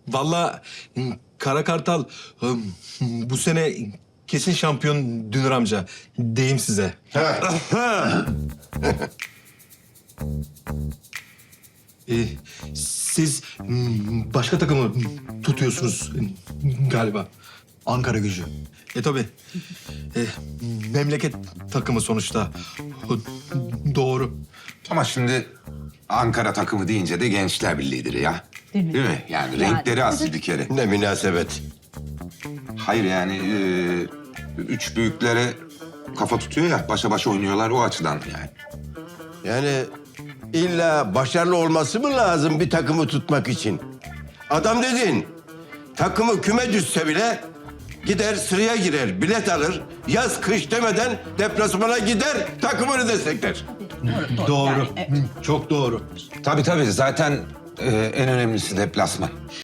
Vallahi Kara Kartal bu sene kesin şampiyon Dünür amca. Diyeyim size. Siz başka takımı tutuyorsunuz galiba. Ankara Gücü. Tabii. Memleket takımı sonuçta. Doğru. Ama şimdi Ankara takımı deyince de Gençler Birliği'dir ya. Değil mi? Değil mi? Yani renkleri asil bir kere. Ne münasebet. Hayır yani üç büyüklere kafa tutuyor ya, başa başa oynuyorlar o açıdan yani. Yani illa başarılı olması mı lazım bir takımı tutmak için? Adam dedin, takımı küme düşse bile gider sıraya girer, bilet alır. Yaz kış demeden deplasmana gider, takımını destekler. Doğru. Yani, Çok doğru. Tabii zaten en önemlisi deplasman.